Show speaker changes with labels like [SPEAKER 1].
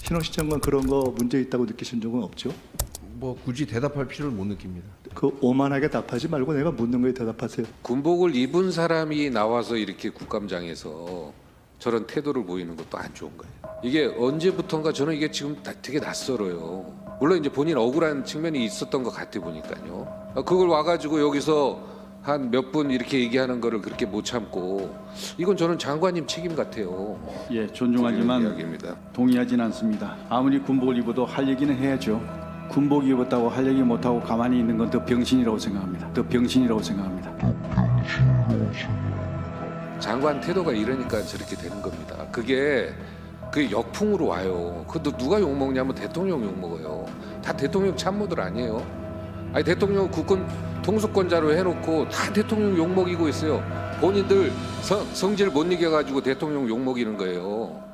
[SPEAKER 1] 신원식 장관 그런 거 문제 있다고 느끼신 적은 없죠?
[SPEAKER 2] 뭐 굳이 대답할 필요를 못 느낍니다.
[SPEAKER 1] 그 오만하게 답하지 말고 내가 묻는 거에 대답하세요.
[SPEAKER 3] 군복을 입은 사람이 나와서 이렇게 국감장에서 저런 태도를 보이는 것도 안 좋은 거예요. 이게 언제부턴가 저는 이게 지금 되게 낯설어요. 물론 이제 본인 억울한 측면이 있었던 것 같아 보니까요. 그걸 와가지고 여기서 한 몇 분 이렇게 얘기하는 거를 그렇게 못 참고 이건 저는 장관님 책임 같아요.
[SPEAKER 4] 예, 존중하지만
[SPEAKER 3] 이야기입니다.
[SPEAKER 4] 동의하진 않습니다. 아무리 군복을 입어도 할 얘기는 해야죠. 군복 입었다고 할 얘기 못하고 가만히 있는 건 더 병신이라고 생각합니다. 더 병신이라고 생각합니다.
[SPEAKER 3] 장관 태도가 이러니까 저렇게 되는 겁니다. 그게 그 역풍으로 와요. 그것도 누가 욕먹냐면 대통령 욕먹어요. 다 대통령 참모들 아니에요. 아니 대통령 국권 통수권자로 해놓고 다 대통령 욕먹이고 있어요. 본인들 성질 못 이겨가지고 대통령 욕먹이는 거예요.